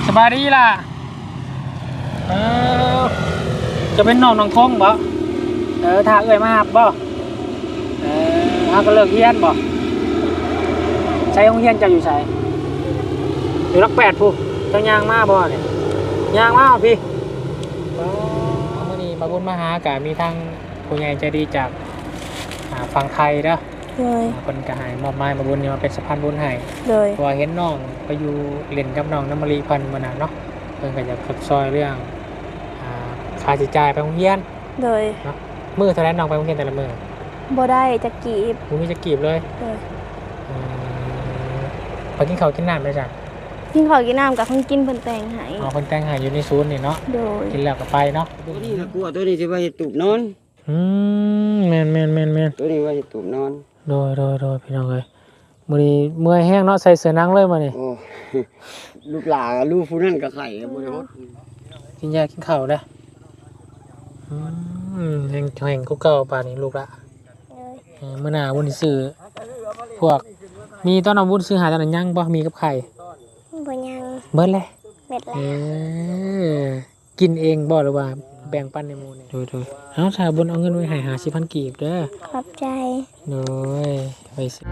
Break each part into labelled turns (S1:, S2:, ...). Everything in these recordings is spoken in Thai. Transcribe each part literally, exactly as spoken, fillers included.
S1: บายดีล่ะเออจะเป็นน้องน้องทงบ่เออถ้าเอ่ยมาบ่เออถ้าก็เลิกเรียนบ่ใช้โรงเรียนจะอยู่ใช้อยู่รักแปดผู้เจ้ายางมาบ่เนี่ยยางมาพี่เมื่อนี้มาบุญมาหากะมีทางผู้ใหญ่ใจดีจากฝั่งไทยเด้อเลยคนกระหายมอบไม้มาบุญนี่มาเป็นสะพานบุญให้เลยเพราะเห็นน้องไปอยู่เล่นกับน้องน้ำมะลิพันธุ์มานานเนาะเพิ่นก็อยากขับซอยเรื่องค่าใช้จ่ายไปโรงเรียนเลยเนาะมื้อเท่าไรน้องไปโรงเรียนแต่ละมื้อบ่ได้จะกีบบ่มีจะกีบเลยเลยไปกินข้าวกินน้ำได้จ้ะกินข้าวกินน้ำกับเพิ่นกินเพิ่นแต่งให้อ๋อเพิ่นแต่งให้อยู่ในศูนย์นี่เนาะโดยกินแล้วก็ไปเนาะ
S2: ตัวนี้นะกลัวตัวนี้สิว่าเฮ็ดตูบนอน
S1: อืมแม่นแม่นแม่นแม่น
S2: ตัวนี้ว่าเฮ็ดตูบนอน
S1: โดยโดยโดยพี่น้องเอ้ยมื้อนี้เมื่อยแห้งเนาะใส่เสื้อหนังเลยมานี่
S2: โอ้ลูกหลาลูกผู้นั้นก็ไข่บ่ได้ฮด
S1: กินยากินข้าวเด้ออืมแห่งแห่งเก่าๆป่านนี้ลูกละเออมื้อหน้าบุญซื้อพวกมีตอนเอาบุญซื้อหาตอนนั้นยังบ่มีกับไข่
S3: บ่ยัง
S1: เบิดเลย
S3: เบิดแล้ว
S1: เออกินเองบ่หรือว่าแบ่งปันในหมู่นี่โดยๆเอ้าถ้าบุญเอาเงินไว้ให้ห้าสิบพันกีบเด้อ
S3: ขอบใจ
S1: โดยไปสิ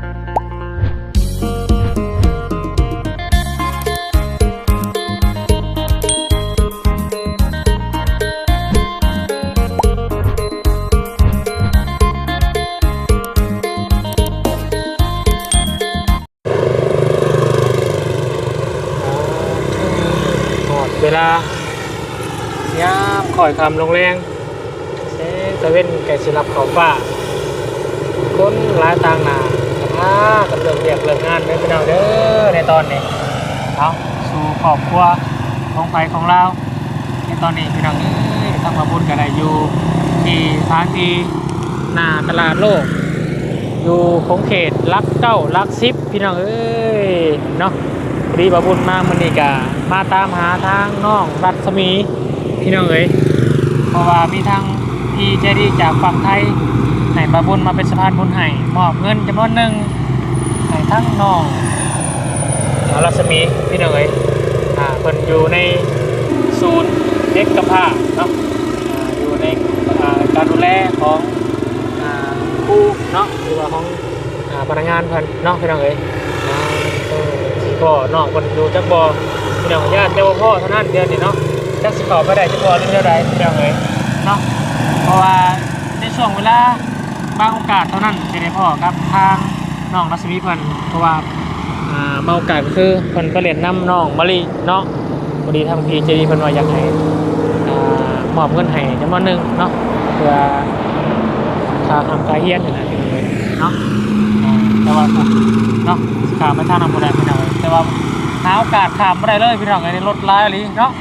S1: เวลายามข่อยคำลงแรงเซตะเว้นแก่สิรับเขาฟ้าคนหลายต่างหน้าสภาพกับเรื่องเรียกเรื่องงานไม่เป็นเอาเด้อในตอนนี้เอาสู่ครอบครัวของไฟของเราในตอนนี้พี่น้องเอ้ยต้องมาบุญกันได้อยู่ที่ทางที่หน้าตลาดโลกอยู่ของเขตลักเก้าลักซิบพี่น้องเอ้ยเนาะรีบบุญมามันนี่กะมาตามหาทางน้องรัศมีพี่น้องเอ๋ยเพราะว่ามีทางพี่ใจดีจากฝั่งไทยให้บาบุญมาเป็นสะพานบุญให้มอบเงินจำนวนหนึ่งให้ทั้งน้องรัศมีพี่น้องเอ๋ยอ่าเพิ่นอยู่ในศูนย์เด็กกำพร้าเนาะอ่าอยู่ในอ่าการดูแลของอ่าครูเนาะหรือว่าของอ่าพนักงานเพิ่นเนาะพี่น้องเอ๋ยก็น้องคนดูจักบอพี่น้องญาติเจ้าพ่อเท่านั้นเดือนนี่เนาะจักสิขอไปได้จักบอเรื่องเท่าไรพี่น้องเอ๋ยเนาะเพราะว่าในช่วงเวลาบางโอกาสเท่านั้นจะได้พ่อครับทางน้องรัศมีเพิ่นเพราะว่าอ่าบางโอกาสก็คือเพิ่นไปเรียนน้ำน้องมะลิเนาะพอดีทางพีเจดีเพิ่นว่าอยากให้อ่ามอบเงินให้จำนวนหนึ่งเนาะเพื่อค่าทำการเรียนนี่แหละพี่น้องเอ๋ยเนาะแต่ว่าเนาะขามไปทางน้ำบุได้พี่น้องแต่ว่าหาโอกาสขามไม่ได้เลยพี่น้องในรถไล่อะไรเนาะ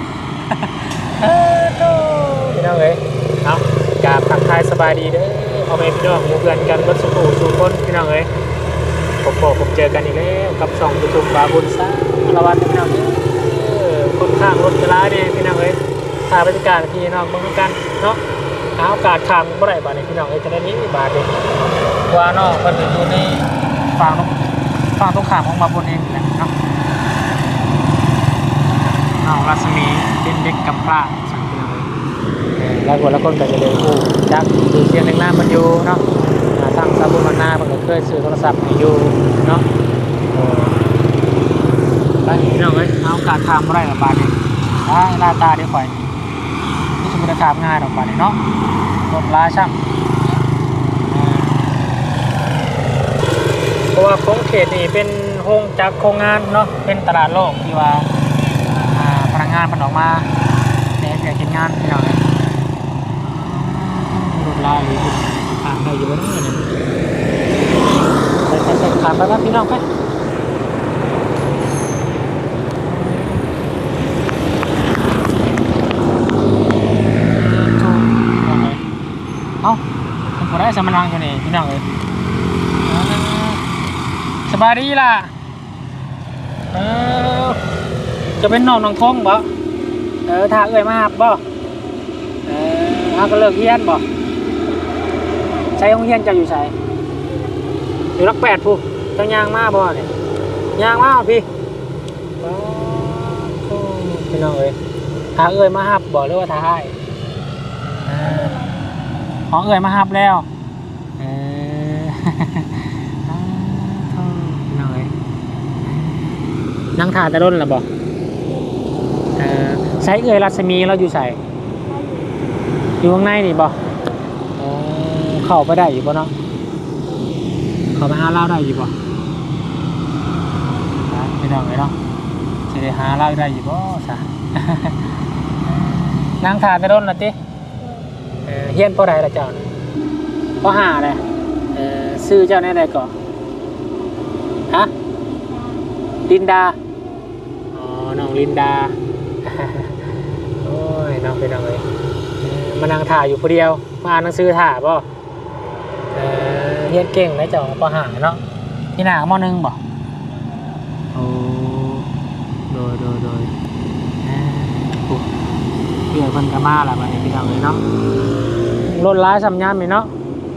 S1: พี่น้องเลยเอากราบทักทายสบายดีเด้อเอาไปพี่น้องหมู่เพื่อนกันรถสุขุสู่คนพี่น้องเลยผมบอกผมเจอกันอีกแล้วกับสองจุดบาบุญซ่าละวันพี่น้องคนข้างรถจะร้ายเนี่ยพี่น้องเลยถ่ายบรรยากาศพี่น้องบ้างกันเนาะหาโอกาสขามไม่ได้บาทในพี่น้องเลยจะได้นี้บาทเดียวว่าน้องคนอยู่ในฝั่งฝั่งตรงข้ามของบาบุญเองนะเนาะน้องรัศมีเป็นเด็กกำพร้าสังเกตเลยแล้วคนละคนก็จะเลยคู่จักดูเสียงในหน้ามันอยู่เนาะทางซาบุมันนามันก็เคยซื้อโทรศัพท์ให้อยู่เนาะไปพี่น้องเอ้ยเอาการทำอะไรกับบาทนี้อ่าหน้าตาเดี๋ยวข่อยนี่จะเป็นการง่ายหรอกบาทนี้เนาะรถล้าช่างเพราะว่าโค้งเขตนี่เป็นโฮงจากโครงงานเนาะเป็นตลาดโลกที่ว่าพนักงานมันออกมาในเรื่องกินงานที่เราเนี่ยรถลายทางได้อยู่แล้วเนี่ยใส่ใส่ใส่ขาดไปครับพี่น้องไปเอ้าผมขอได้สมนังกันนี่พี่น้องเลยสบายดีล่ะเออจะเป็นน้องน้องทงบ่เออถ้าเอ่ยมาบ่เออถ้าก็เลิกเรียนบ่ใช้โรงเรียนจะอยู่ใช้อยู่รักแปดผู้เจ้ายางมาบ่เนี่ยยางมาพี่โอ้พี่น้องเอ้ยถ้าเอ้ยมาฮับบอกเลยว่าท้าให้ของเอ้ยมาฮับแล้วเออพี่น้องเอ้ยนั่งทานแต่ร่นละบอกเออใช้เอ้ยรัศมีเราอยู่ใส่อยู่ข้างในนี่บอกเข้าไปได้อยู่ป่ะเนาะเข้าไปหาเล่าได้อยู่ป่ะพี่น้องเอ้ยเนาะจะได้หาเล่าได้อยู่ป่ะซะนั่งทานแต่ร่นละติเออเฮียนพ่อใดละเจ้าพ่อหาเลยเออซื้อเจ้าในใดก่อนฮะลินดาอ๋อน้องลินดาโอ้ยน้องเป็นน้องเลยมานั่งถ่ายอยู่คนเดียวมาอ่านหนังสือถ่ายป่ะเออเฮียนเก่งนะเจ้าพ่อหาเนาะพี่หนามอหนึ่งบ่โอ้โดยโดยโดยเพื่อนคนกระมาแหละวันนี้พี่น้องเลยเนาะรถร้ายสัมยามเลยเนาะ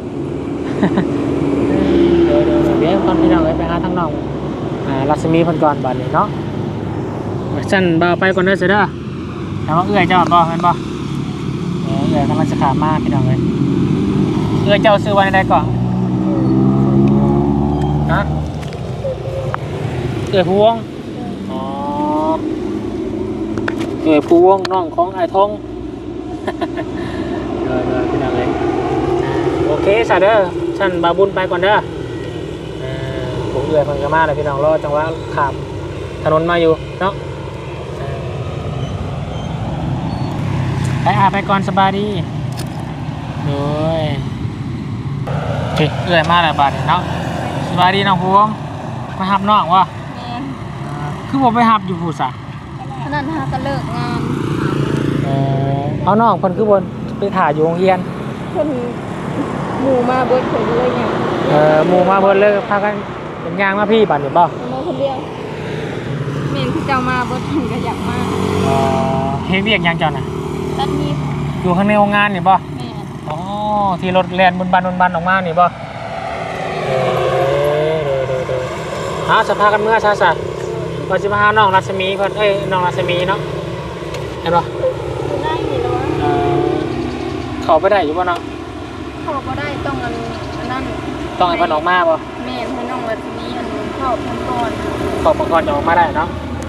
S1: เดี๋ยวเดี๋ยวเดี๋ยวคนพี่น้องเลยไปหาทั้งน้องอ่ารัศมีพันก่อนบัดนี้เนาะฉันบ่าวไปก่อนเด้อเสด็จแต่ว่าเอื้อยเจ้าบ่เห็นบ่เอื้อยกำลังจะขามาพี่น้องเลยเอื้อยเจ้าซื้อวันใดก่อนฮะเอื้อยพวงอ๋อเอื้อยพวงน้องของไอ้ทองเดี๋ยวเดี๋ยวพี่น้องเลยโอเคสาเด้อฉันบาบุญไปก่อนเด้อผมเอื้อยพันกระมาเลยพี่น้องรอจังหวะขับถนนมาอยู่เนาะไปอาไปก่อนสบายดีโดยเฮ้ยเอื้อยมาแล้วบาดเนาะสบายดีน้องพวงมาหับน้องวะคือผมไปหับอยู่ผู้สะ
S3: ขนาดหาก็เลิกงาน
S1: เออเอาน้องคนคือบนไปถ่ายอยู่โรงเรียน
S3: คนหมู่มาเบิดคนเลยเนี่ย
S1: เออหมู่มาเบิดเลยพากันเป็นยางมาพี่บัดนี่บ่
S3: มาคนเดียวเมนที่เจ้ามาเบิดก็อยากมา
S1: อ๋อเฮ็ดเวียกยังเจ้าน่ะ
S3: ตัดมี
S1: อยู่ข้างในโรงงานนี่บ่
S3: แม่
S1: อ๋อที่รถแล่นบนบันบนบันออกมานี่บ่เออๆๆหาสภากันเมื่อซะซะว่าสิมาหาน้องรัศมีเพิ่นเอ้ยน้องรัศมีเนาะเห็นบ่
S3: อยู่ได้นี่แล้วว่า
S1: เออเข้าไปได้อยู่บ่เนาะ
S3: เข้าบ่ได้ต้องอันนั้น
S1: ต้องให้เพิ่นออกมาบ่
S3: แม่ให้น้องรัศมีอันเข้าเพิ่นก่อน
S1: เข้าเพิ่นก่อนจะออกมาได้เนาะ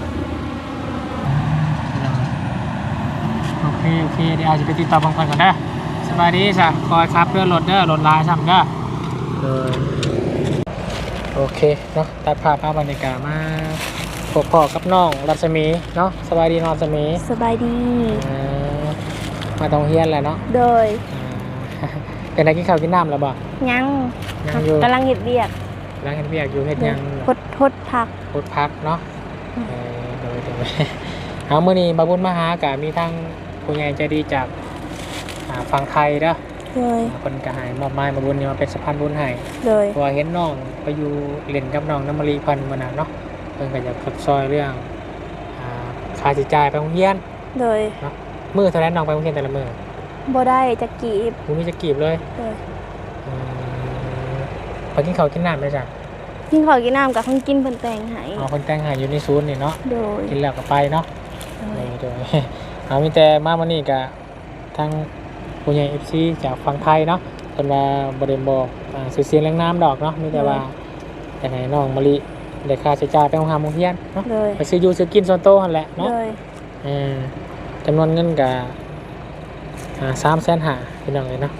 S1: โอเคโอเคเดี๋ยวอาจจะไปติดต่อเพิ่นก่อนเด้อสบายดีซะคอยขับเรือรถเด้อรถลายซ้ำเด้อเออโอเคเนาะตัดภาพภาพบรรยากาศมาพบพ่อกับน้องรัศมีเนาะสบายดีน้องรัศมี
S3: สบายดี
S1: มาตรงเฮียนแหละเนาะ
S3: โดย
S1: เป็นอะไรกินข้าวกินน้ำแล้วบ่
S3: ยังกำลังเห็ดเบียก
S1: กำลังเห็ดเบียกอยู่เห็ดยัง
S3: พดพดพัก
S1: พดพักเนาะโดยโดยเอาเมื่อนี้บาบุญมาหากะมีทั้งผู้ใหญ่ใจดีจากฝั่งไทยเด้อคนกระหายมอบไม้บาบุญนี่มาเป็นสะพานบุญให้เพราะเห็นน้องไปอยู่เล่นกับน้องน้ำมะลิพันธุ์มานานเนาะเพิ่งก็จะขับซอยเรื่องค่าใช้จ่ายไปโรงเรียน
S3: เลย
S1: เนาะมือเท่านั้นน้องไปโรงเรียนแต่ละมือ
S3: บ่ได้จะกีบ
S1: กูมีจะกีบเลยไปกินข้าวกินน้ำไหมจ๊ะ
S3: กินข้าวกินน้ำกับคนกินเพิ่นแต่งให้
S1: อ๋อคนแต่งให้อยู่ในศูนย์นี่เนาะ
S3: โดย
S1: กินแล้วก็ไปเนาะโดยเอามีแต่มาวันนี้กับทางผู้ใหญ่เอฟซีจากฝั่งไทยเนาะคนว่าบริเวณบอกสื่อเสียงแรงน้ำดอกเนาะมีแต่ว่าแต่ไหนน้องมะลิเด็กค่าใช้จ่ายไปโรงงานโรงเรียนเนาะไปซื้อยูซื้อกินโซนโต้หันแหละเนาะจำนวนเงินกับสามแสนหาเป็นยังไงเนาะ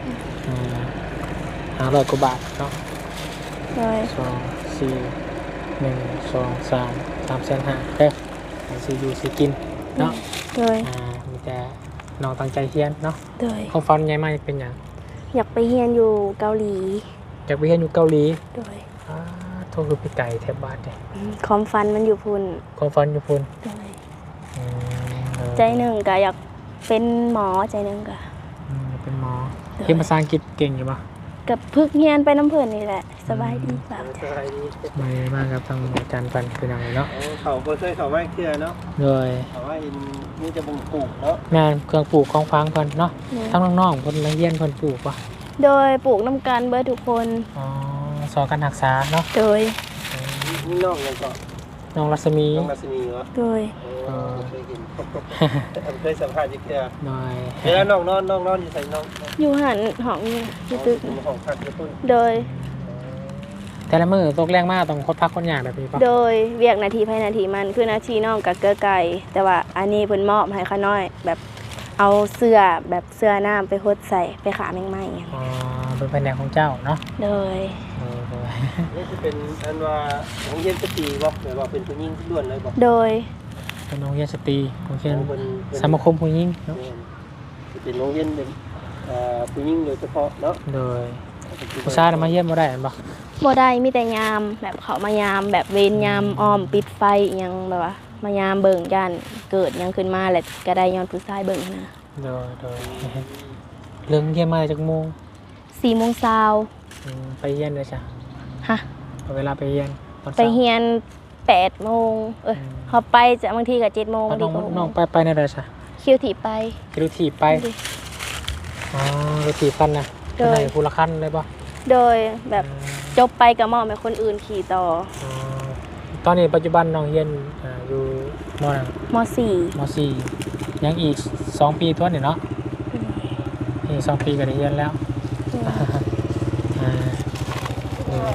S1: ห้าร้อยกว่าบาทเนาะสองสี่หนึ่งสองสามสามแสนหาเด้อไปซื้อยูซื้อกินเนาะมีแต่น้องตั้งใจเฮียนเนาะเขาฟันใหญ่มากเป็นอย่าง
S3: อยากไปเฮียนอยู่เกาหลี
S1: อยากไปเฮียนอยู่เกาหลี
S3: โดย
S1: โทษคือพี่ไก่แถบบาทเลย
S3: ความฟันมันอยู่พุ่น
S1: ความฟันอยู่พุ่น
S3: ใจหนึ่งก็อยากเป็นหมอใจหนึ่งก็
S1: เป็นหมอเรียนภาษาอังกฤษเก่งอยู่ปะ
S3: กับพึกเฮียนไปน้ำเพลินนี่แหละสบายดีสบ
S1: ายดีไม่มากครับทางอาจารย์ฟันคือยังไงเนาะ
S2: เขาเคยเขาไม่เคลียร์เนาะ
S1: เลย
S2: เขาว่าอินนี่จะบ่งปลูกเนาะ
S1: งานเครื่องปลูกของฟางเพิ่นเนาะทั้งน้องๆเพิ่นนักเรียนเพิ่นปลูกปะ
S3: โดยปลูกน้ำกันเบอร์ทุกคน
S1: อ๋อสอนการรักษาเนาะ
S3: โดย
S2: นี่น้องเลยก็
S1: น้องรัศมี
S4: น้องรัศมีเหรอ
S3: โดย
S4: เออเคยเห็นเคยสัมภาษณ์ที่เกือ
S1: หน่อย
S4: เวลาน้องนอนน้องนอนอยู่ใส่น้อง
S3: อยู่หันห้องนี่อยู่ตึก
S4: ห้องพักอยู่พุ่น
S3: โดย
S1: แต่ละมือตกแรงมากต้องคดพักคนอย่างแบบนี้ปะ
S3: โดยเวียกนาทีภายนาทีมันคือนาทีน้องกับเกลือไก่แต่ว่าอันนี้เพิ่นมอบให้ข้าน้อย แบบเอาเสื้อแบบเสื้อน้ำไปหดใส่ไปขาแมงไม้อย่าง
S1: อ๋อเป็นแผนกของเจ้าเนาะ
S3: โดย
S1: เออเออ
S4: นี่จะเป็นอันว่าของเย็นสตีบ่หรือว่าเป็นผู้หญิงล้วนเลยบ่
S3: โดย
S1: เป็นโรงเรียนสตรีโรงเรียน
S4: เป็น
S1: สมาคมผู้หญิงเนาะ
S4: เป็นโรงเรียนเป็นผู้หญิงโดยเฉพาะเนาะ
S1: โดยผู้ชายน่ะมาเยี่ยมบ่ได้อันบ่
S3: บ่ได้มีแต่ยามแบบเขามายามแบบเวรยามอ้อมปิดไฟอิหยังแบบว่ามายามเบิ่งย่านเกิดหยังขึ้นมาแหละก็ได้ย้อนผู้ชายเบิ่งนะ
S1: โดยโดยเรื่องเยี่ยมมาจากโมง
S3: สี่โมงเช้า
S1: อืมไปเยี่ยนเลยจ้ะ
S3: ฮะ
S1: เอาเวลาไปเยี่ยนตอน
S3: ไป
S1: เช้า
S3: เฮียนแปดโมงเอ้ยเขาไปจะบางทีก็เจ็ดโมง
S1: เอา
S3: บาง
S1: น้
S3: ที
S1: อง
S3: ก็หก
S1: น้
S3: โม
S1: อง
S3: ง
S1: ไปไปในเดือนจ้ะ
S3: คิวถีบไป
S1: คิวถีบไปอ๋อคิวถีบคันนะ
S3: โดย
S1: เป็นไหนผู้ละคันเลยป่ะ
S3: โดยแบบจบไปก็มอบให้คนอื่นขี่ต่อ
S1: อ๋อตอนนี้ปัจจุบันน้องเรียนอ่าอยู่มหนึ่ง
S3: มสี่
S1: มสี่ยังอีกสองปีทวนเนี่ยเนาะอีกสองปีก็ได้เรียนแล้วอ่าเออ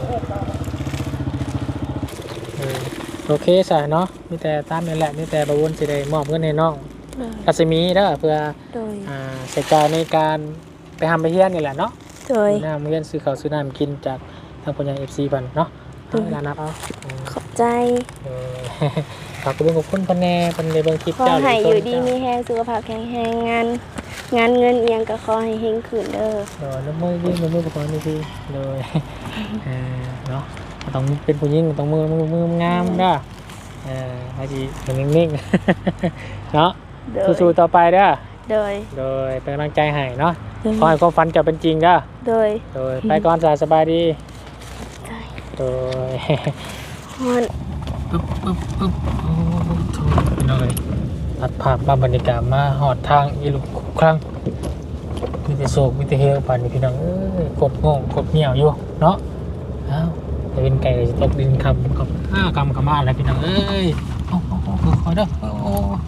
S1: เออโอเคสายเนาะมีแต่ตามนี่แหละมีแต่บวุ้นสิได้มอบเงินให้น้องรัศมีเด้อเพื่อ
S3: โดย
S1: อ่าใช้จ่ายในการไปทำไปเฮียนนี่แหละเนาะ
S3: โดย
S1: ซื้อน้ำเฮียนซื้อข้าวซื้อน้ำกินจากทางปัญญาเอฟซีพันเนาะเอาเวลานับเอาอืม
S3: ขอบใจ
S1: เออ ฝากคุณขอบคุณพันแน่พันในเบางคลิป
S3: ขอ
S1: เจ้า
S3: ให้อยู่ดี
S1: ต้น
S3: มี
S1: เจ้า
S3: แห้งสุขภาพแข็งแรงงาน งานเงินเอียงก็ขอให้เฮงขึ้นเด้อ
S1: เดี๋ยวน้ำมือยื่นน้ำมือประกอบนี่พี่เลย เออเนาะต้องเป็นผู้หญิงต้องมือมือมืองามเด้อเออให้ดีเป็นนิ่งๆ เนาะ
S3: โดย
S1: สู้ๆต่อไปเด้อ
S3: โดย
S1: โดยเป็นกำลังใจให้เนาะ
S3: โดย
S1: ขอให้ความฝันเจะเป็นจริงเด้อ
S3: โดย
S1: โดยไปก่อนสายสบายดี
S3: ใจ
S1: โดย
S3: ฮอน
S1: ปึ๊บปึ๊บปึ๊บโอ้โหโถ่พี่น้องเลยตัดภาพมาบรรยากาศมาหอดทางอีลุกครั้งมีแต่โศกมีแต่เฮลป่านนี้พี่น้องเอ้ยกดโง่กดเหนียวอยู่เนาะอ้าวจะเป็นไก่จะตกดินคำกับห้ากำกับมาแล้วพี่น้องเอ้ยโอ้โหคอยเด้อโอ้โห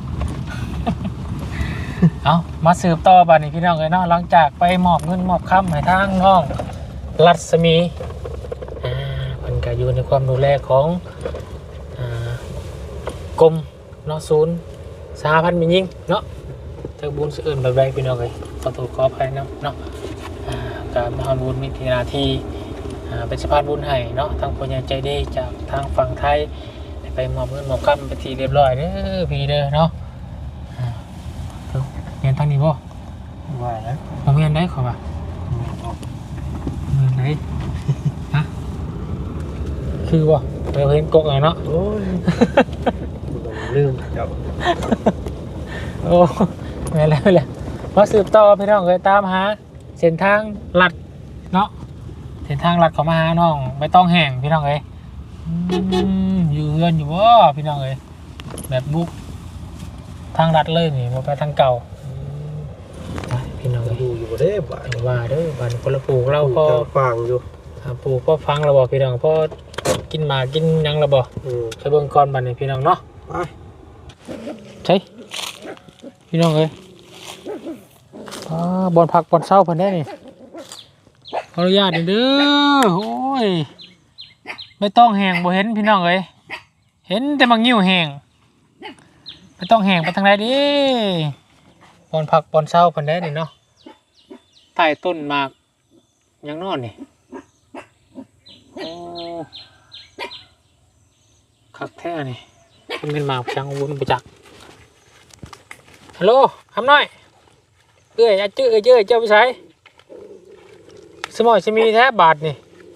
S1: เอามาสืบต่อป่านนี้พี่น้องเลยเนาะหลังจากไปมอบเงินมอบคำให้ทางน้องรัศมีอ่าเพิ่นก็อยู่ในความดูแลของอ่ากรมเนาะศูนย์สหพันธ์มิยิงเนาะจากบุญสื่ออื่นแบบใดพี่น้องเลยขอโทษขออภัยนะเนาะอ่าการมหาบุญมีทีนาทีอ่าเป็นสะพานบุญให้เนาะทางผู้ใหญ่ใจดีจากทางฝั่งไทยได้ไปมอบเงินมอบคำไปนทีเรียบร้อยเด้อพี่เด้อเนาะอ่าเอ้าเรียนทางนี้บ่
S4: ว่าแล้ว
S1: ผมเรียนได้ขอป่ะเรียนได้ฮะคือบ่เราเห็นกกอ่ะเนาะ
S4: โอ้ยลืมเจ้า
S1: โอ้ไม่แล้วไม่แล้วมาสืบต่อพี่น้องเคยตามหาเส้นทางลัดเนาะเส้นทางลัดเขามาหาน้องไม่ต้องแห้งพี่น้องเลยอืมอยู่เฮือนอยู่บ่พี่น้องเลยแบบบุกทางลัดเลยนี่มาไปทางเก่าอืมไปพี่น้องเลย
S4: ดูอยู่บ่ได้บ่า
S1: อย่าว่าเด้อบ้านคนละปลูกเราพอ
S4: ฟังอยู่
S1: อ่าปลูกพอฟังเราบอกพี่น้องพอกินหมากกินหยังเราบอก
S4: อืม
S1: ไปเบิ่งก่อนบ้านนี้พี่น้องเนาะ
S4: ไป
S1: ใช่พี่น้องเอ้ยอ่าบอลผักบอลเศร้าเพิ่นได้นี่ขออนุญาตเด้อโอ้ยไม่ต้องแหงบ่เห็นพี่น้องเอ้ยเห็นแต่บางงิ้วแหงไม่ต้องแหงไปทางไหนดิบอลผักบอลเศร้าเพิ่นได้นี่เนาะใต้ต้นหมากยังนอนนี่โอ้คักแท้นี่เป็นเป็นหมากช่างวุ้นไปจักฮัลโหลทำหน่อยเอ้ยอาจื้อเอ้ยเจ้ยเจ้าไปใช้สมอยจะมีแท้บาทนี่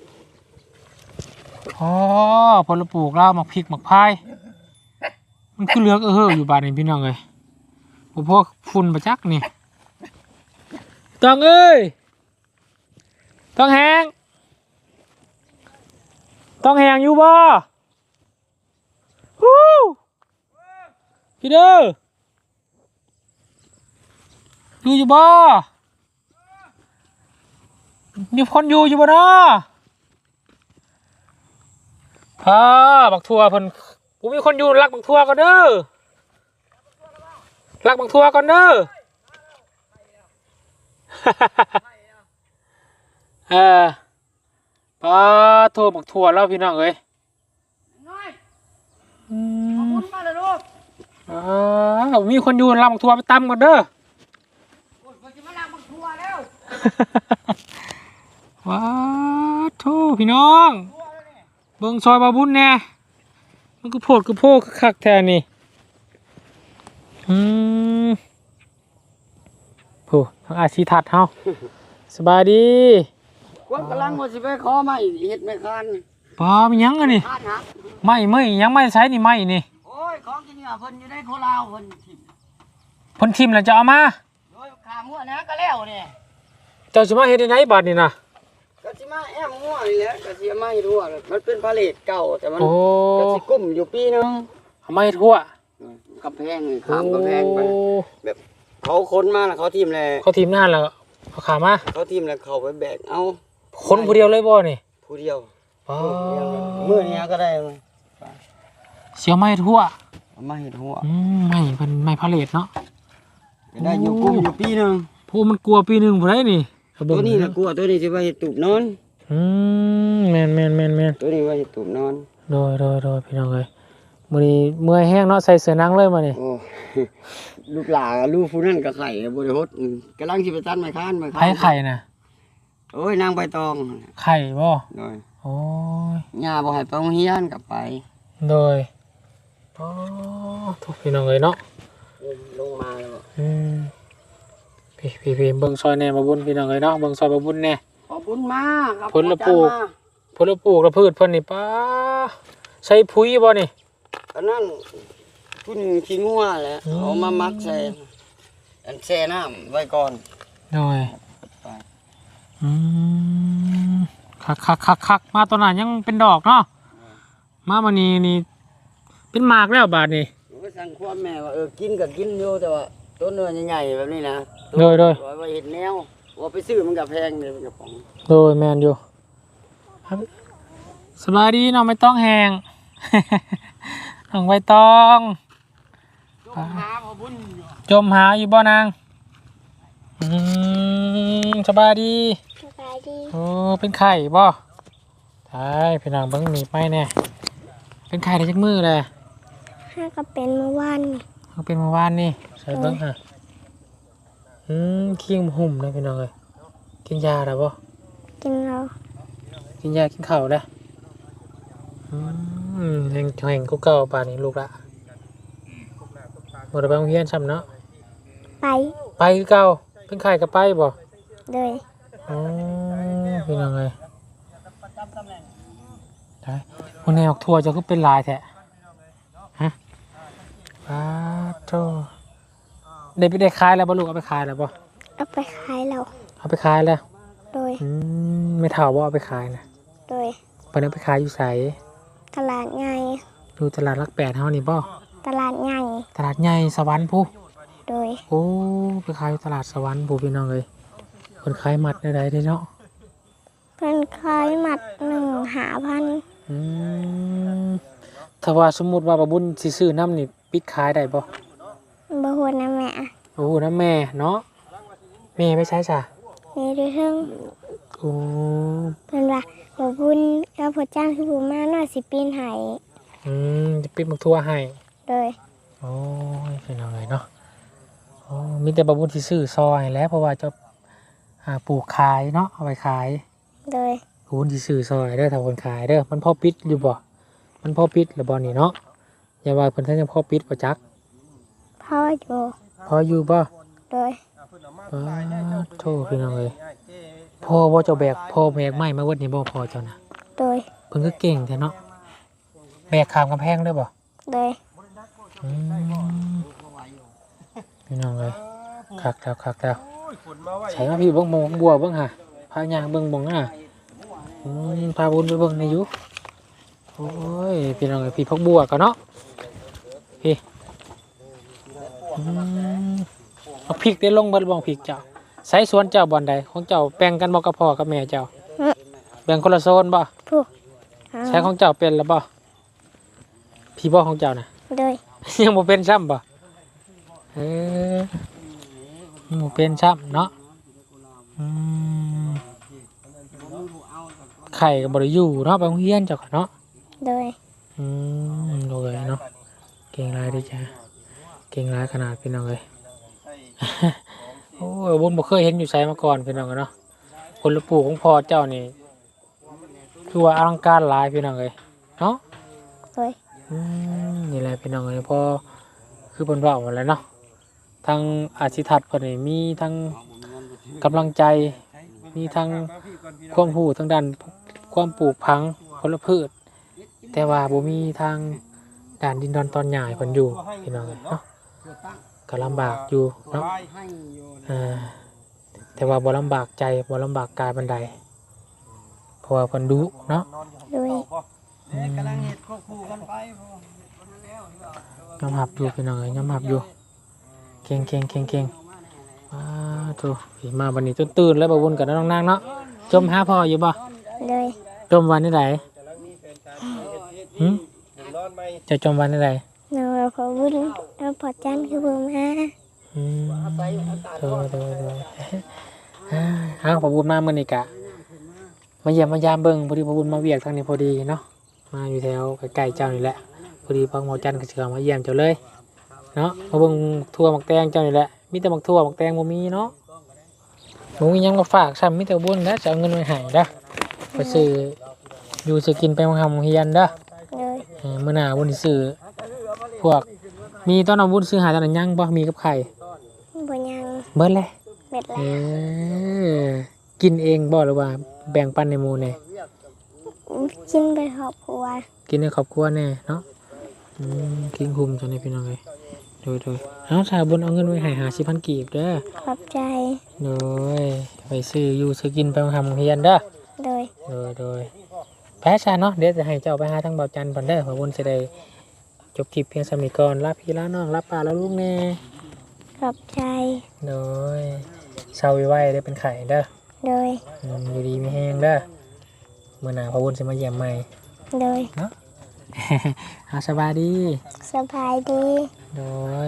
S1: อ๋อผลปลูกแล้วหมักพริกหมักพายมันคือเหลือกเอออยู่บาทนี่พี่น้องเลยพวกฝุ่นประจักนี่ต้องเอ้ยต้องแหงต้องแหงอยู่บ่ฮู้พี่เด้ออยู่อยู่บ่มีคนอยู่อยู่บ่เนาะพาบักทัวเพิ่นปกูมีคนอยู่รักบักทั่วก่อนเด้อรักบักทั่วก่อนเด้อ เออปลาโทรบักทั่วแล้วพี่น้องเอ้ยอืมอ่ามีคนอยู่รักบักทั่วไปตำก่อนเด้อ ว้าโธ่พี่น้องเบิ่งซอยบาบุญแน่มันก็โพดก็โพดคักแท้นี่อืมโผู้ทางอาชีทัดเฮาสบายดี
S2: คนกำลังว่าสิไปขอไม้เฮ็ดไม้คาน
S1: ปลามีหยังอันนี้
S2: คานหัก
S1: ไม่ไม่ยังไม่ใช้นี่ไม่นี่
S2: โอ้ยของกินเนี่ยเพิ่นอยู่ในโคลาวเพิ่นทิ่ม
S1: เพ่นทิมแล้วจะเอามา
S2: โดยขามั่วนะก็แล้วนี่
S1: เจ้าสิมาเฮ็ดได้ไหนบัดนี่นะ
S2: ก็สิมาแอมมั่วนี่แหละก็สิเอามาให้รั่วมันเป็นพาเลทเก่าแต่มัน
S1: โอ้
S2: ก็สิกุ้มอยู่ปีนึง
S1: เอามาให้ทั่ว
S2: กำแพงนี่ข้ามกำแพงไป
S1: โอ้
S2: แบบเขาค้นมาแล้วเขาทิ่มแล้ว
S1: เขาทีมนานแล้วเอาขามา
S2: เขาทิ่มแล้วเขาไปแบกเอา
S1: คนผู้เดียวเลยบ่นี่
S2: ผู้เดียว
S1: ปลา
S2: มื้อนี้ก็ได้
S1: เสียวไม่ทั่ว
S2: เอามาเฮ็ดหัว
S1: อืมไม่เป็นไม่พาเลทเนาะ
S2: ก็ได้อยู่กุ้มอยู่ปีนึง
S1: ผู้มันกลัวปีหนึงบ่ได้นี่
S2: ตัวนี้น่ะกลัวตัวนี้สิว่าเฮ็ดตูบนอน
S1: อืมแมนแมนแมนแมน
S2: ตัวนี้ว่าเฮ็ดตูบนอน
S1: โดยโดยโดยพี่น้องเอ้ยมื้อนี้เมื่อยแห้งเนาะใส่เสื้อหนังเลยมานี่
S2: โอ้ ลูกหลานลูกผู้นั้นก็ไข่บ่ได้ฮดอืมกำลังสิไปตัดไม้คานไม้คาน
S1: ไผไข่น่ะ
S2: โอ้ยนางใบตอง
S1: ไข่บ่
S2: โดย
S1: โอ้ย
S2: ย่าบ่ให้ไปโรงเรียนกลับไป
S1: โดยอ๋อทุกพี่น้องเอ้ยเนาะ
S2: ลงมาแล้วบ่
S1: อืมพี่พี่พี่เบิ่งซอยแหน่มาบุญพี่น้องเอ้ยเนาะเบิ่งซอยมาบุญแหน่
S2: ขอบคุณมากครับ
S1: ผลปลูก ผลปลูกและพืชเพิ่นนี่ป้าใช้ปุ๋ยบ่นี่
S2: อันนั้นพุ่นขี้งัวแหละ
S1: อืม
S2: เอามามักใส่อันแช่น้ำไว้ก่อน
S1: โดยอืมคักคักคักคักมาตอนนั้นยังเป็นดอกเนาะมามื้อนี้นี่เป็นหมากแล้วบาดนี้
S2: หนูก็สั่งความแม่ว่าเออกินก็กินอยู่แต่ว่าต้นเนื้อใหญ่ๆแบบนี้นะ
S1: โดยโดย
S2: ไว้เห็ดแนวว่าไปซื้อมันก็แพงเลยมันก็ของ
S1: โดยแมนอยู่ครับสบายดีน้องไม่ต้องแหง น้องใบตอง
S2: หาพอบุญอยู่
S1: จมหาอยู่บ่นางอืมสบายดี
S3: สบายดี
S1: โอ้เป็นไข่บ่ใช่พี่น้องเบิ่งหนีไปแน่เป็นไข่ได้จักมือเลย
S3: ห้าก็เป็นเมื่อวาน
S1: เขาเป็นเมื่อวานนี่ใส่เบิ่งฮะอืมขี้มหุ่มเลยพี่น้องเลยกินยาแล้วบ่
S3: กินเรา
S1: กินยากินข้าวแล้วอืมแห่งแห่งกูเก่าป่านนี้ลูกละหมดไปโรงเรียนซ้ำเนาะ
S3: ไป
S1: ไปคือเก่าเป็นไข่กับไปบ่
S3: เลย
S1: อ๋อเป็นยังไงใช่วันนี้ออกทัวร์จะก็เป็นลายแท้ฮะป้าโธ่ได้ไปได้ขายแล้วบ่ลูกเอาไปขายแล้วบ่
S3: เอาไปขายเรา
S1: เอาไปขายแล้ว
S3: โดย
S1: อืมไม่เท่าบ่เอาไปขายนะ
S3: โดย
S1: เพิ่นเอาไปขายอยู่ไส
S3: ตลาดใหญ่
S1: อยู่ตลาดหลักแปดเฮานี่บ่
S3: ตลาดใหญ่
S1: ตลาดใหญ่สวรรค์ผู้
S3: โดย
S1: โอ้ไปขายอยู่ตลาดสวรรค์ผู้พี่น้องเอ้ยเพิ่นขายมัดได้ๆเด้เนาะ
S3: เพิ่นขายหมัดหนึ่งหาพัน
S1: อืมถ้าว่าสมมุติว่าบ่บุญสิซื้อน้ำนี่ปิดขายได้บ่
S3: บ่ฮู้นะแม่
S1: โอ้น้ำแม่เนาะแม่ไปใช้จ้ะ
S3: มีดูเทิง
S1: โอ้
S3: เพิ่นว่าบ่บุญกับพ่อจ้างคือผู้มาน้อยสิปีนให้
S1: อืมจะปิดมักทั่วให้
S3: โดย
S1: โอ้ยเป็นเอาเลยเนาะโอ้มีแต่บ่บุญสิซื้อซอยแหล้วเพราะว่าจะหาปลูกขายเนาะเอาไปขาย
S3: โดย
S1: บ่บุญสิซื้อซอยเด้อถ้าคนขายเด้อมันพอปิดอยู่บ่มันพอปิดหรือบ่นี่เนาะอย่าว่าเพิ่นท่านยังพอปิดบ่จัก
S3: พ่ออยู่
S1: พออยู่บ่
S3: โดย
S1: อ้าวโธ่พี่น้องเอ้ยพ่อบ่เจ้าแบกพ่อแบกไม้มาเวิดนี่บ่พอเจ้านะ
S3: โดย
S1: เพิ่นก็เก่งแท้เนาะแบกข้ามกำแพงได้บ่
S3: โดย
S1: อืมพี่น้องเอ้ยคักแล้วคักแล้วใช้มาพี่เบิ่งหมองบัวเบิ่งหะพาย่างเบิ่งหมองน่ะอืมพาบุญไปเบิ่งในอยู่โอ้ยพี่น้องเอ้ยพี่พักบัวกันเนาะพี่อืมเอาพริกได้ลงเบิดบ่พริกเจ้าใช้สวนเจ้าบ่อนใดของเจ้าแบ่งกันบ่กับพ่อกับแม่เจ้าแบ่งคนละโซนบ่
S3: ผู้
S1: ใช้ของเจ้าเป็นแล้วบ่พี่บ่ของเจ้าน่ะ
S3: โดย
S1: ยังบ่เป็นซ้ำบ่เออยังบ่เป็นซ้ำเนาะอืมไข่ก็บ่ได้อยู่เนาะไปโรงเรียนเจ้าก็เนาะ
S3: โดย
S1: อืมโอเคเนาะเก่งหลายเด้อจ้ะเก่งหลายขนาดพี่น้องเอ้ย โอ้ยบุญบ่เคยเห็นอยู่ไสมาก่อนพี่น้องเอ้ยเนาะผลปลูกของพ่อเจ้านี่คือว่าอลังการหลายพี่น้องเอ้ยเนาะ
S3: โดย
S1: อืมนี่แหละพี่น้องเอ้ยพอคือเพิ่นเว้าหมดแล้วเนาะทั้งอาชีพทัศน์เพิ่นนี่มีทั้งกำลังใจมีทั้งความรู้ทางด้านความปลูกพังผลพืชแต่ว่าบ่มีทางด้านดินดอนตอนหญ้าให้เพิ่นอยู่พี่น้องเอ้ยเนาะก็ลำบากอยู่เนาะอ่าแต่ว่าบ่ลำบากใจบ่ลำบากกายปานใดเพราะว่าเพิ่นดุเนาะ
S3: โดย
S1: อืม
S2: กำลังเฮ็ดควบคู่กันไป
S1: ยอมรับอยู่พี่น้องเอ้ยยอมรับอยู่เก่งเก่งเก่งเก่งว้าถูกมาวันนี้จนตื่นแล้วบ่วนกันน้องนางเนาะจมหาพ่ออยู่บ่
S3: โดย
S1: จมวันนี้ไหนหืม
S4: นอนไหม
S1: จะจมวันนี้ไหน
S3: เราพอบุญเราพอจันคือบ่มา
S1: อืมโดยโดยโดยอ่าเอาพอบุญมาเมื่อนี้กะมาเยี่ยมมายามเบิ่งพอดีพอบุญมาเวียกทางนี้พอดีเนาะมาอยู่แถวใกล้ๆเจ้านี่แหละพอดีพ่อหมอจันทร์ก็สิเข้ามาเยี่ยมเจ้าเลยเนาะมาเบิ่งทั่วหมักแตงเจ้านี่แหละมีแต่หมักทั่วหมักแตงบ่มีเนาะบ่มีหยังมาฝากซ้ำมีแต่บุญแล้วจะเอาเงินไว้ให้เด้อไปซื้ออยู่ซื้อกินไปมาทำเฮียนเด้อ
S3: โดย
S1: เออมื้อหน้าบุญสิซื้อพวกมีตอนเอาบุญซื้อหาตอนนั้นยังบ่มีกับไข่
S3: บ่ยัง
S1: เบิดเลย
S3: เม็ด
S1: เอ
S3: ละ
S1: อกินเองบ่หรือว่าแบ่งปันในหมู่แน่
S3: กินไปครอบครัว
S1: กินในครอบครัวแน่เนาะอืมกินคุมจังได๋พี่น้องเอ้ยโดยโดยเอาสาบุญเอาเงินไว้ให้ห้าสิบพันกีบเด้อ
S3: ขอบใจ
S1: โดยไปซื้ออยู่ซื้อกินไปทำเฮียนเด้อ
S3: โดย
S1: โดยโดยแพ้ชาเนาะเดี๋ยวจะให้เจ้าไปหาทางเบาจันทร์เพิ่นเด้อเพราะบุญสิได้จบคลิปเพียงสำนี้ก่อนลาพี่ลาน้องลาป้าลาลูกแน่
S3: ขอบใจ
S1: โดยเศร้าไว้ได้เป็นไข่เด้อ
S3: โดย
S1: อืมอยู่ดีมีแห้งเด้อมื้อหน้าพระบุญสิมาเยี่ยมใหม่
S3: โดย
S1: เอาสบายดี
S3: สบายดี
S1: โดย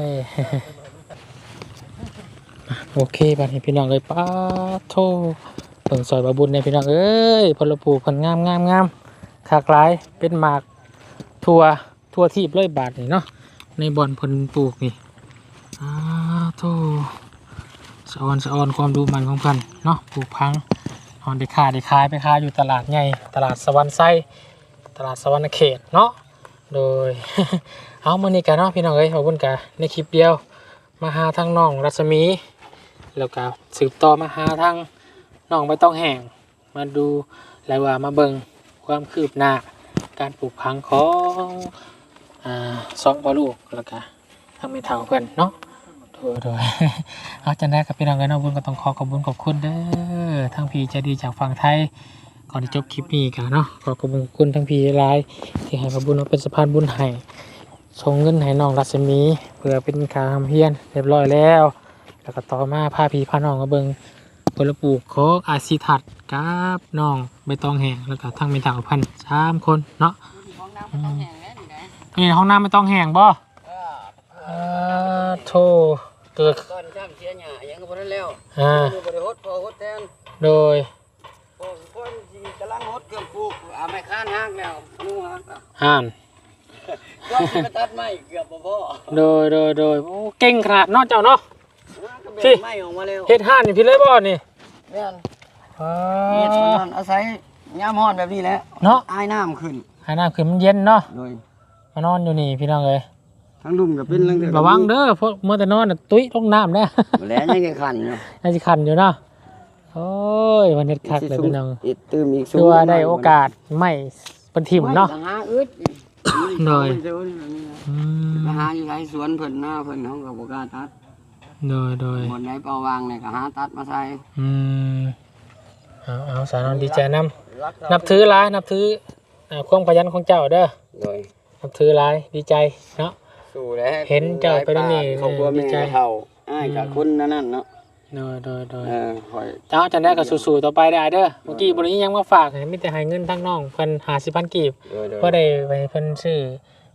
S1: โอเคบัดนี้พี่น้องเอ้ยป้าโทเบิ่งซอยบาบุญเนี่ยพี่น้องเอ้ยผลปลูกเพิ่นงามงามงามขากหลายเป็นหมากทั่วทั่วทีบเลยบาทนี่เนาะในบ่อนเพิ่นปลูกนี่อ้าโทสะออนสะออนความดูมันของเพิ่นเนาะปลูกพังฮอนได้ขายได้ขายไปขายอยู่ตลาดใหญ่ตลาดสวรรค์ไส้ตลาดสวรรค์เขตเนาะโดย เอามื้อนี้กันเนาะพี่น้องเอ้ยขอบคุณกันในคลิปเดียวมาหาทางน้องรัศมี แล้วก็สืบต่อมาหาทางน้องไม่ต้องแห้งมาดูแล้วว่ามาเบิ่งความคืบหน้าการปลูกพังของอ่าสองพ่อลูกแล้วก็ทางแม่เฒ่าเพิ่นเนาะโดยโดย เอาจังได้กับพี่น้องกันเนาะบุญก็ต้องขอขอบคุณขอบคุณเด้อทั้งพี่ใจดีจากฝั่งไทยก่อนที่จบคลิปนี้กันเนาะขอขอบคุณขอบคุณทั้งพี่หลายที่ให้พระบุญมาเป็นสะพานบุญให้ส่งเงินให้น้องรัศมีเพื่อเป็นค่าทำเฮียนเรียบร้อยแล้วแล้วก็ต่อมาพาพี่พาน้องมาเบิ่งผลปลูกของอาชีทัดกับน้องใบตองแห้งแล้วก็ทั้งเป็นถาวพันสามคนเนาะนี่ห้องน้ำไม่ต้องแห้งบ่อ่าโธ่เกิด
S2: ก่อนช้ำเสียหญ้ายังก็บ่ได้แล้ว
S1: อ่า
S2: อยู่บ่ได้ฮดพอฮดแทน
S1: โดย
S2: พอคนสิกำลังฮดเครื่องปลูกเอาไม้ค้านฮักแล้วนูฮักแล้ว
S1: ห่าน
S2: ก็สิมาตัดไม้เกือบบ่พอ
S1: โดยโดยโดยโอ้เก่งขนาดเนาะเจ้าเนาะ
S2: ก็แบ่
S1: พี่
S2: งไม้ออกมาแล้ว
S1: เฮ็ดห่านนี่พี่เลยบ่นี่
S2: แม่น
S1: อ่า
S2: เฮ็ดมันนั่นอาศัยยามร้อนแบบนี้แหละ
S1: เนาะ
S2: อายน้ำขึ้น
S1: หาน้ำขึ้นมันเย็นเนาะ
S2: โดย
S1: มานอนอยู่นี่พี่น้องเอ้ย
S2: ทั้งลุ่มก็เป็นเรื่องเดียว
S1: ระวังเด้อเพราะเมื่อแต่นอนน่ะตุ้ยลงน้ำแน่
S2: บ่แล้วยังจะขันเนาะ
S1: น่าจะคันอยู่เนาะโอ้ยวันเฮ็ดคักเลยพี่น้อง
S2: อีกตื่มอีก
S1: คือว่าได้โอกาสไม่เป็นถิ่มเนาะ
S2: ไม่หาอึด
S1: โดย อื
S2: มาม หาอยู่ไรสวนเพิ่นหน้าเพิ่นเขาก็บ่กล้าตัด
S1: โดยโดย
S2: บนไหนเปล่าวางเนี่ยก็หาตัดมาใส่
S1: อืมเอาเอาสาวนอนดีใจนำนับถือหลายนับถืออ่าความขยันของเจ้าเด้อ
S2: โดย
S1: นับถือหลายดีใจเนาะ
S2: สู้แล้ว
S1: เห็นเจ้าไปนั่นนี่
S2: ครอบครัว
S1: ดี
S2: แม่
S1: ใจ
S2: เฒ่าอ้ายกับคนนั่นนั่นเนาะ
S1: โดยโดยโดย
S2: เออคอย
S1: เจ้าจันได้ก็สู้ๆต่อไปได้เด้อเมื่อกี้บริยังมาฝากให้มีแต่ให้เงินทั้งน้องเพิ่นห้าสิบพันกีบ
S2: โดยโดย
S1: ก็ได้ไปเพิ่นซื้อ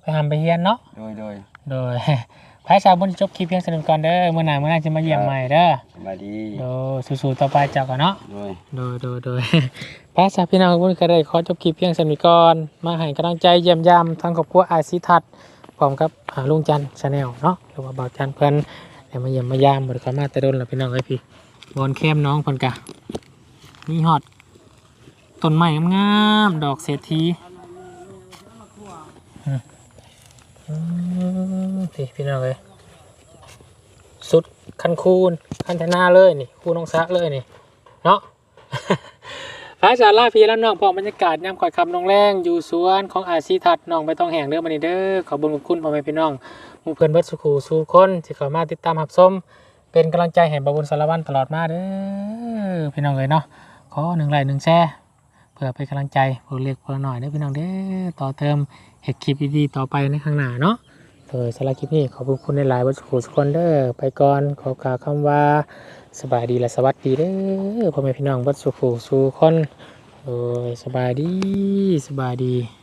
S1: ไปหำไปเฮียนเนาะ
S2: โดยโดย
S1: โดย พายชาวบุญจบคลิปเพียงสนุกก่อนเด้อเมื่อหน้าเมื่อหน้าจะมาเยี่ยมใหม่เด้อ
S2: สบายดี
S1: โดยสู้ๆต่อไปเจ้ากันเนาะ
S2: โดย
S1: โดยโดยโดย พายชาวพี่น้องบุญก็ได้ขอจบคลิปเพียงสนุกก่อนมาให้กำลังใจเยี่ยมยามทางครอบครัวอาศิทัศน์พร้อมกับหาลุงจันทร์ชาแนลเนาะหรือว่าบ่าวจันทร์เพิ่นได้มาเยี่ยมมายามบ่ได้เข้ามาแต่โดนแล้วพี่น้องเอ้ยพี่บอนเข้มน้องเพิ่นกะมีฮอดต้นไม้งามๆดอกเศรษฐีอืมอืมพี่พี่น้องเอ้ยสุดคันคูนคันธนาเลยนี่คูน้องซะเลยนี่เนาะ พระอาจารย์ลาพี่แล้วน้องพอบรรยากาศยามข่อยคำน้องแรงอยู่สวนของอาชีทัดน้องไปต้องแห่งเด้อมานี่เด้อขอบุญขอบคุณพ่อแม่พี่น้องหมู่เพื่อนเบิดสุขูสู่คนที่เข้ามาติดตามรับชมเป็นกำลังใจให้บาวบุญสารวัตรตลอดมาเด้อพี่น้องเลยเนาะขอหนึ่งไลค์หนึ่งแชร์เพื่อเป็นกำลังใจเพื่อเล็กเพื่อหน่อยเด้อพี่น้องเด้อต่อเติมเห็ดคลิปดีๆต่อไปในข้างหน้าเนาะโดยสำหรับคลิปนี้ขอบคุณในหลายๆเบิดสุขูสุขคนเด้อไปก่อนขอกล่าวคำว่าสบายดีและสวัสดีเด้อพ่อแม่พี่น้องเบิดสุขูสู่คนโอ้ยสบายดีสบายดี